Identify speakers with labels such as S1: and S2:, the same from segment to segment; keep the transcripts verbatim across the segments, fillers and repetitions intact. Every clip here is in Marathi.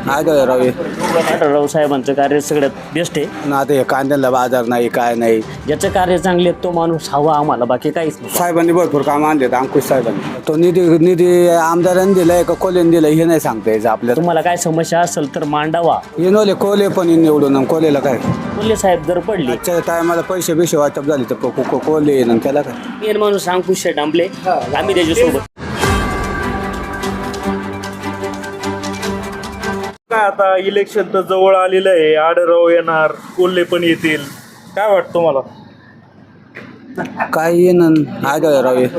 S1: आढळराव
S2: आढळराव साहेबांचं कार्य सगळ्यात बेस्ट आहे
S1: ना. आता हे कांद्याला बाजार नाही काय नाही.
S2: ज्याचं कार्य चांगले तो माणूस हवा आम्हाला, बाकी काहीच नाही.
S1: साहेबांनी भरपूर कामं आणलेत अंकुश साहेबांनी. तो निधी निधी आमदारांनी दिलाय का कोलेने दिलाय हे नाही सांगता यायचं आपल्याला.
S2: तुम्हाला काय समस्या असेल तर मांडावा.
S1: येनोले कोले पण निवडून आणि कोलेला काय
S2: कोल्हे साहेब जर पडले
S1: आजच्या टायमाला पैसे बिशे वाटप झाले तर को- को- कोले येईन आणि त्याला काय.
S2: मेन माणूस अंकुश डांबले, आम्ही त्याच्यासोबत.
S3: काय आता इलेक्शन तर जवळ आलेलं आहे, आढळराव येणार, कोल्हे पण येतील, काय वाटतं तुम्हाला?
S1: काय येईन आढळराव ये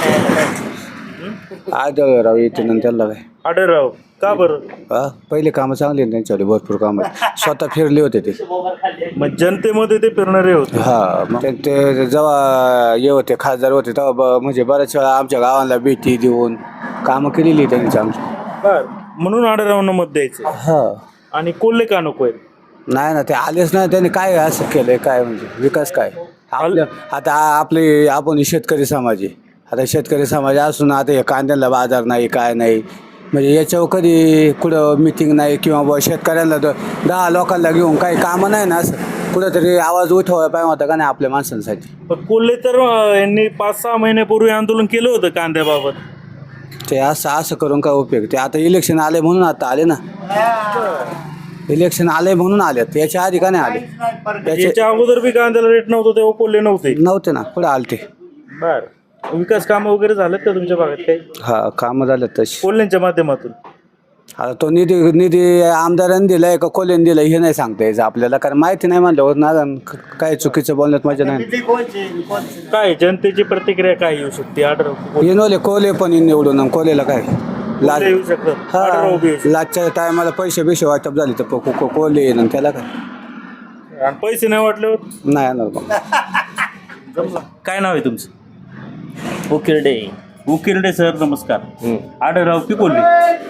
S1: आढळराव येते आणि त्याला काय.
S3: आढळराव का बरं?
S1: हा पहिले कामं चांगली आहेत त्यांच्याकडे, भरपूर कामं स्वतः फिरले होते ते.
S3: मग जनतेमध्ये ते फिरणारे होते.
S1: हा मग ते- ते जेव्हा ये होते खासदार होते तेव्हा ब- म्हणजे बऱ्याच वेळा आमच्या गावाला भेटी देऊन कामं केलेली त्यांची आमची.
S3: बर, म्हणून आढळरावांना मत द्यायचं.
S1: हा
S3: आणि कोल्हे का नको आहेत?
S1: नाही ना ते आलेच नाही. त्यांनी काय असं केलंय काय म्हणजे विकास काय आपल्या. आता आपले आपण शेतकरी समाज आहे. आता शेतकरी समाज असून आता हे कांद्याला बाजार नाही काय नाही, म्हणजे याच्यावर कधी कुठं मिटिंग नाही किंवा बुवा शेतकऱ्यांना द- दहा लोकांना घेऊन काही कामं नाही ना, असं कुठंतरी आवाज उठवायला पाहिजे होता का नाही आपल्या माणसांसाठी.
S3: पण कोल्हे तर अं, यांनी पाच सहा महिन्यापूर्वी आंदोलन केलं होतं कांद्याबाबत.
S1: ते असं असं करून काय उपयोग. ते आता इलेक्शन आले म्हणून आता आले ना. इलेक्शन आले म्हणून आलेत, याच्या आधी का नाही आले. याचे
S3: याच्या अगोदर बी कांद्याला रेट नव्हतं तेव्हा कोल्हे नव्हते.
S1: नव्हते ना, पुढे आले ते.
S3: बर, विकास कामं वगैरे झालेत का तुमच्या भागात काही
S1: हा कामं झालेत तशी.
S3: कोल्ह्यांच्या माध्यमातून?
S1: आता तो निधी निधी आमदारांनी दिलाय का कोल्हेने दिलाय हे नाही सांगता यायचं आपल्याला, कारण माहिती नाही म्हणल्यावर ना काय चुकीचं बोलण्यात मजा नाही.
S3: काय जनतेची प्रतिक्रिया काय येऊ शकते? आढळराव
S1: येनोले कोले पण निवडून आणि कोलेला काय लाच.
S3: येऊ शकतात,
S1: हा
S3: आढळराव बी येऊ शकतात.
S1: लाचच्या टायमाला पैसे बिशे वाटप झाले तर को- को- कोले येईन आणि त्याला काय.
S3: आणि पैसे नाही वाटल्यावर
S1: नाही येणार बा.
S3: काय नाव आहे तुमचं?
S2: उकिरडे.
S3: उकिरडे सर, नमस्कार. आढळराव की कोल्हे?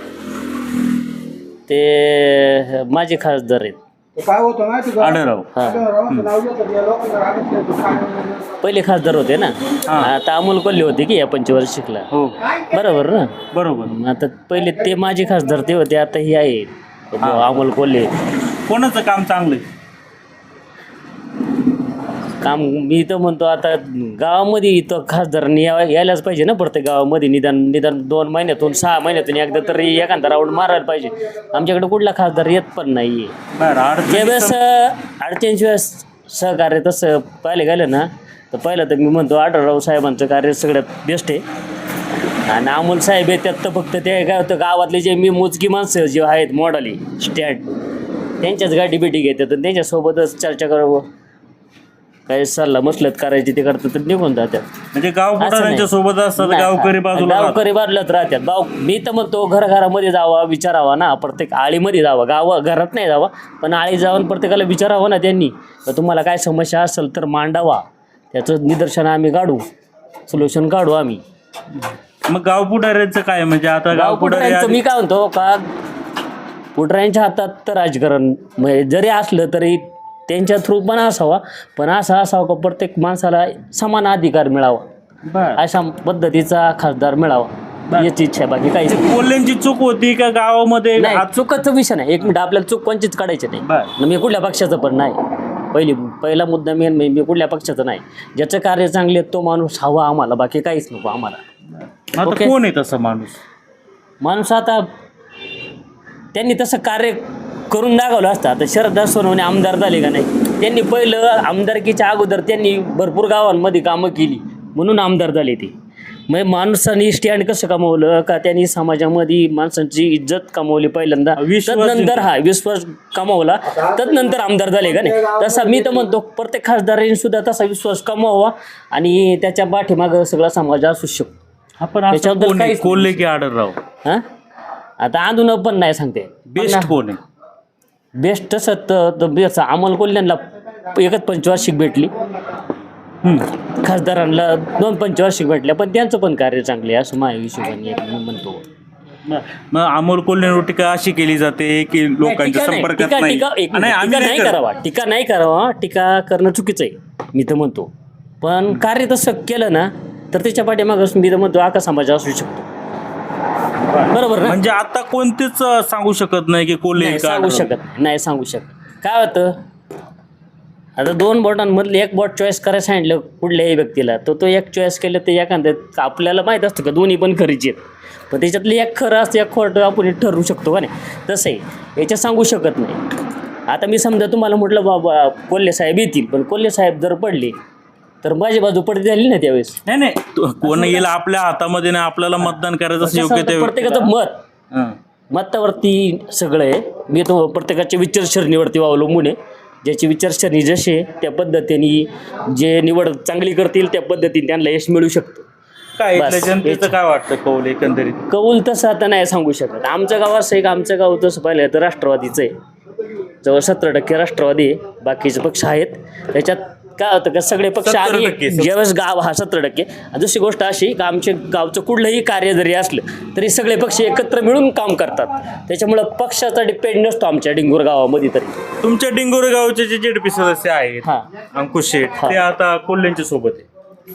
S2: ते माझे खासदार आहेत.
S1: काय होतं माहिती का?
S3: आढळराव.
S2: पहिले खासदार होते ना, आता अमोल कोल्हे होते की या पंचवार्षिकला.
S3: हो,
S2: बरोबर ना.
S3: बरोबर.
S2: आता पहिले ते माझे खासदार ते होते, आता हे आहे अमोल कोल्हे.
S3: कोणाचं काम चांगलं आहे?
S2: काम मी तर म्हणतो आता गावामध्ये इथं खासदारांनी या यायलाच पाहिजे ना. प्रत्येक गावामध्ये निदान निदान दोन महिन्यातून सहा महिन्यातून एकदा तरी एखादा राऊंड मारायला पाहिजे. आमच्याकडे कुठला खासदार येत पण नाही आहे.
S3: बरं,
S2: ज्यावेळेस अडचणीच्या वेळेस सहकार्य तसं पाहिलं गेलं ना, तर पहिलं तर मी म्हणतो आढळराव साहेबांचं कार्य सगळ्यात बेस्ट आहे. आणि अमोल साहेब आहे त्यात तर फक्त ते काय होतं, गावातले जे मी मोजकी माणसं जे आहेत मॉडली स्टँड त्यांच्याच गाठी भेटी घेतात आणि त्यांच्यासोबतच चर्चा करावं, काही सल्ला मसलत करायची ते करतात तर निघून जातात.
S3: म्हणजे गाव पुढाऱ्यांच्या सोबत असतात,
S2: नाही,
S3: गावकरी बाजूला राहतात.
S2: गावकरी बाजूलाच राहतात. गाव मी तर म्हणतो घराघरामध्ये जावा, विचारावा ना, प्रत्येक आळीमध्ये जावा. गाव घरात नाही जावा पण आळी जाऊन प्रत्येकाला विचारावं ना त्यांनी, तर तुम्हाला काय समस्या असेल तर मांडावा, त्याचं निदर्शन आम्ही काढू, सोल्युशन काढू आम्ही.
S3: मग गाव पुढाऱ्यांचं काय? म्हणजे आता
S2: गाव पुढाऱ्यांचं मी काय म्हणतो का, पुढाऱ्यांच्या हातात तर राजकारण म्हणजे जरी असलं तरी त्यांच्या थ्रू पण असावा, पण असं असावं का प्रत्येक माणसाला समान अधिकार मिळावा, अशा पद्धतीचा खासदार मिळावा याची इच्छा आहे, बाकी काहीच नाही.
S3: कोल्ह्यांची चूक होती का गावामध्ये?
S2: नाही, चुकाचा विषय नाही. एक मिनिट, आपल्याला चूक कोणचीच काढायची नाही. मी कुठल्या पक्षाचं पण नाही. पहिली पहिला मुद्दा मेन मी मी कुठल्या पक्षाचं नाही. ज्याचं कार्य चांगले तो माणूस हवा आम्हाला, बाकी काहीच नको आम्हाला.
S3: आता कोण आहे तसा माणूस?
S2: माणूस आता त्यांनी तसं कार्य करून दाखवलं असतं. आता शरद सोनवणे आमदार झाले का नाही, त्यांनी पहिलं आमदारकीच्या अगोदर त्यांनी भरपूर गावांमध्ये कामं केली म्हणून आमदार झाले ते. मग माणसांनी स्टँड कसं कमवलं का, त्यांनी समाजामध्ये माणसांची इज्जत कमवली पहिल्यांदा, तदनंतर हा विश्वास कमवला, तदनंतर आमदार झाले का नाही. तसा मी तर म्हणतो प्रत्येक खासदारांनी सुद्धा तसा विश्वास कमवावा आणि त्याच्या पाठीमागं सगळा समाज असू शकतो.
S3: आपण
S2: त्याच्याबद्दल काहीच
S3: कोल्हे की आढळराव?
S2: हां आता आंदोलन पण नाही सांगते.
S3: बेस्ट कोण आहे?
S2: बेस्ट तसं तर बेस्ट अमोल कोल्ह्यांना एकच पंचवार्षिक भेटली, खासदारांना दोन पंचवार्षिक भेटल्या, पण त्यांचं पण कार्य चांगले आहे असं माझ्या हिशोबाने मी म्हणतो.
S3: मग अमोल कोल्हेंवर टीका अशी केली जाते की लोकांच्या संपर्कात नाही.
S2: टीका नाही करावा, टीका नाही करावा, टीका करणं चुकीचं आहे मी तर म्हणतो. पण कार्य तसं केलं ना तर त्याच्या पाठीमागं मी तर म्हणतो आका समाज असू शकतो. बरोबर ना?
S3: म्हणजे आता कोणतेच अं, सांगू शकत नाही की कोल्हे
S2: नाही
S3: का
S2: सांगू
S3: आढळराव?
S2: शकत नाही, नाही सांगू शकत. काय होतं, आता दोन बोटांमधले एक बोट चॉईस करायला सांगितलं कुठल्याही व्यक्तीला, तर तो एक चॉईस केलं तर एखाद्या आपल्याला माहीत असतं का दोन्ही पण खरीचे आहेत, पण त्याच्यातलं एक खरं असतं एक खोटं आपण ठरवू शकतो का नाही, तसं आहे याच्यात सांगू शकत नाही. आता मी समजा तुम्हाला म्हटलं बाबा कोल्हे साहेब येतील, पण कोल्हे साहेब जर पडले तर माझी बाजू पडती झाली ना त्यावेळेस.
S3: नाही नाही तो- कोण येईल आपल्या हातामध्ये नाही, आपल्याला मतदान करायचं असं
S2: कसं
S3: योग्य
S2: असतं,
S3: ते
S2: प्रत्येकाचं मत
S3: हां.
S2: मतावरती सगळं आहे. मी तो प्रत्येकाच्या विचारसरणीवरती अवलंबून आहे. ज्याची विचारसरणी जशी आहे त्या पद्धतीने जे निवड चांगली करतील त्या पद्धतीने त्यांना यश मिळू शकतं.
S3: काय
S2: बस,
S3: इथल्या जनतेचं
S2: हेच.
S3: काय वाटतं कौल एकंदरीत?
S2: कौल तसं आता नाही सांगू शकत. आमचं गाव असं आहे का आमचं गाव तसं पाहिलं तर राष्ट्रवादीचं आहे, जवळ सतरा टक्के राष्ट्रवादी आहे, बाकीचे पक्ष आहेत. त्याच्यात काय होतं का सगळे पक्ष
S3: सत्तर
S2: आणि
S3: टक्के.
S2: ज्यावेळेस गाव हा सतरा टक्के आणि दुसरी गोष्ट अशी का आमच्या गावचं कुठलंही कार्य जरी असलं तरी सगळे पक्ष एकत्र मिळून काम करतात. त्याच्यामुळं पक्षाचा डिपेंड नसतो आमच्या डिंगूर गावामध्ये तरी.
S3: तुमच्या डिंगोरे गावचे जे जेडपी सदस्य आहेत
S2: हां,
S3: अंकुश शेठ ते आता कोल्ह्यांच्या सोबत आहे.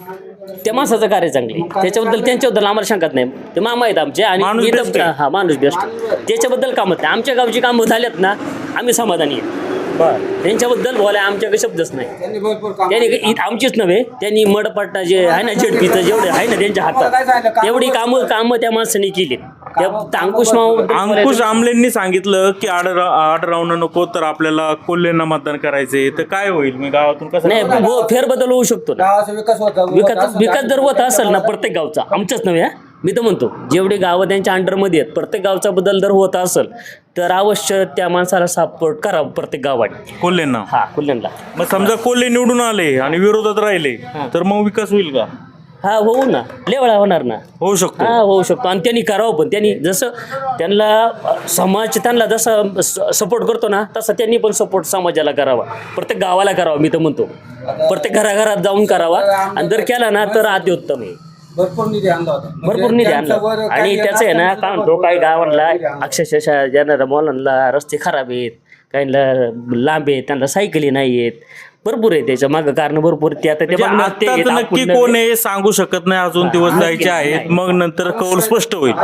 S2: त्या माणसाचं कार्य चांगले, त्याच्याबद्दल त्यांच्याबद्दल आम्हाला शंकाच नाही. ते मामा आहेत आमचे आणि
S3: माणूस
S2: मी
S3: best
S2: तर
S3: आहे.
S2: हा माणूस बेस्ट, त्याच्याबद्दल कामत नाही. आमच्या गावची कामं झाल्यात ना आम्ही समाधानी आहे. त्यांच्याबद्दल बोलाय आमच्याकडे शब्दच नाही.
S1: त्यांनी भरपूर काम
S2: त्यांनी इ- आमचीच नव्हे, त्यांनी मडपट्टा जे आहे ना जेडपीचं जेवढे आहे ना त्यांच्या हातात तेवढी कामं कामं त्या माणसाने केली. त्या अंकुश माऊ
S3: अंकुश आमलेंनी सांगितलं की आडराव आडरावनं नको तर आपल्याला कोल्हेंना मतदान करायचंय, तर काय होईल मी गावातून कसं
S2: नाही हो, फेरबदल होऊ शकतो ना.
S1: गावाचा विकास होता
S2: विकास विकास जर होत असेल ना प्रत्येक गावचा, आमचाच नव्हे हा, मी तर म्हणतो जेवढे गावं त्यांच्या अंडरमध्ये आहेत प्रत्येक गावचा बदल जर होत असेल तर अवश्य त्या माणसाला सपोर्ट करावं प्रत्येक गावाने.
S3: कोल्हेंना?
S2: हा कुल्ल्यांना
S3: मग समजा कोल्हे निवडून आले आणि विरोधात राहिले तर मग विकास होईल का?
S2: हा होऊ ना, लेवळा होणार ना.
S3: होऊ शकतो.
S2: हा होऊ शकतो आणि त्यांनी करावं पण. त्यांनी जसं त्यांना अ, समाज त्यांना जसं सपोर्ट करतो ना तसं त्यांनी पण सपोर्ट समाजाला करावा, प्रत्येक गावाला करावा. मी तर म्हणतो प्रत्येक घराघरात जाऊन करावा आणि जर केला ना तर अतिउत्तम आहे.
S1: भरपूर निधी आणला होता.
S2: भरपूर निधी आणला आणि त्याचं आहे ना काय म्हणतो काही गावांना अक्षरशः ज्यांना मुलांना रस्ते खराब आहेत, काहींना लांब आहेत, त्यांना सायकली नाही आहेत, भरपूर आहे त्याच्या मागं कारण भरपूर ते आता ते
S3: म्हणजे
S2: बघणार ते
S3: आत्ताच
S2: आहेत,
S3: नक्की
S2: आपण
S3: कोण आहे सांगू शकत नाही, अजून दिवस जायचे आहेत, मग नंतर कौल स्पष्ट होईल.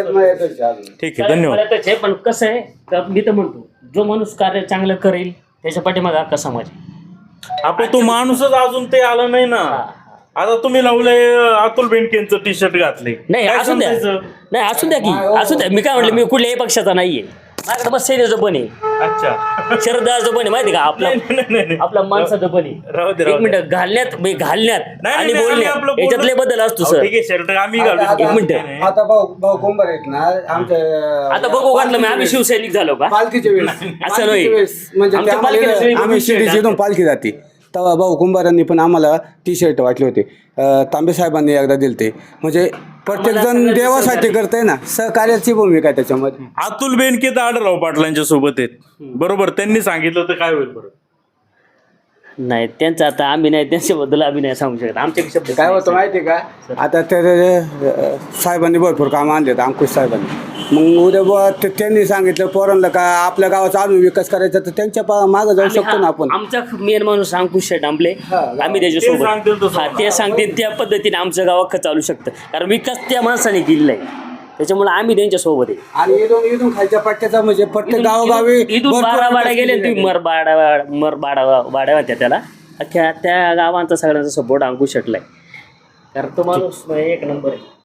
S3: ठीक आहे, धन्यवाद.
S2: मला त्याचे पण कसं आहे का मी तर म्हणतो जो माणूस कार्य चांगलं करेल त्याच्या पाठीमागे अख्खा समाज आहे.
S3: आपण तो माणूसच अजून ते आला नाही ना. आता तुम्ही लावलंय अतुल बेनकेंचं टी शर्ट घातले,
S2: नाही
S3: काय
S2: असू द्या,
S3: समजायचं?
S2: नाही असू द्या की असू द्या. मी काय म्हटलं मी कुठल्याही पक्षाचा नाहीये, माझ्याकडे बस सेनेचं पण आहे,
S3: अच्छा.
S2: शरदाचं पण आहे, माहिती का आपला
S3: नाही, नाही, नाही, नाही.
S2: आपला माणसाचं पण
S3: राहू
S2: आहे.
S3: दे, राहू
S2: एक
S3: दे.
S2: मिनिट घालण्यात म्हणजे घालण्यात
S3: नाही,
S2: आणि
S3: नाही, आम्ही आपलं
S2: बोलण्यात
S3: बोलणं-
S2: याच्यातले बदल असतो
S3: अहो,
S2: सर.
S3: ठीक आहे, शर्ट आम्ही घालू
S1: आता-
S3: शकतो.
S2: एक मिनिट.
S3: नाही.
S1: आता भाऊ भाऊ कुंभार आहेत ना आमच्या
S2: आता बघू वाटलं मी आम्ही शिवसैनिक झालो का
S1: पालखीच्या वेळेस
S2: असं
S1: पालखीच्या
S2: नाही.
S1: वेळेस म्हणजे
S2: आमच्या
S1: ते
S2: पालखीला सगळी
S1: आम्हाला- आम्ही
S2: बघून
S1: शिर्डी
S2: शिर्डी
S1: जिथून पालखी जाते तेव्हा भाऊ कुंभारांनी पण आम्हाला टी शर्ट वाटले होते. अं, तांबे साहेबांनी एकदा दिलते. म्हणजे प्रत्येक जण देवासाठी करतंय ना, सहकार्याची भूमिका आहे त्याच्यामध्ये.
S3: अतुल बेनके तर आढळराव पाटलांच्या सोबत आहेत, बरोबर? त्यांनी सांगितलं तर काय होईल बरं?
S2: नाही त्यांचं आता आम्ही नाही त्यांच्याबद्दल आम्ही नाही सांगू शकत. आमच्या शब्द
S1: काय होतं माहिती आहे का, आता ते अं, साहेबांनी भरपूर कामं आणलेत अंकुश साहेबांनी. मग उद्या बुवा ते त्यांनी सांगितलं पोरांना का आपल्या गावाचा अजून विकास करायचा तर त्यांच्या पा- मागं जाऊ शकतो ना आपण.
S2: आमचा मेन माणूस अंकुश डांबले आम्ही
S3: ते सांगतील
S2: त्याच्यासोबत
S3: तसं.
S2: हा ते सांगतील त्या पद्धतीने आमचं गाव अख्खं चालू शकतं कारण विकास त्या माणसाने केलेला आहे. त्याच्यामुळे आम्ही त्यांच्या सोबत आहे.
S1: आणि इथून इथून खालच्या पट्ट्याचा म्हणजे प्रत्येक गावोगावी
S2: इथून
S1: भरपूर
S2: बारा बाडा
S1: विकास
S2: गेले
S1: केलेला
S2: तुम्ही
S1: आहे.
S2: मर बाडा मर बाडा बाड्या होत्या त्याला अख्ख्या त्या गावांचा सगळ्यांचा सपोर्ट अंकुश शेटला आहे कारण तो माणूस एक नंबर आहे.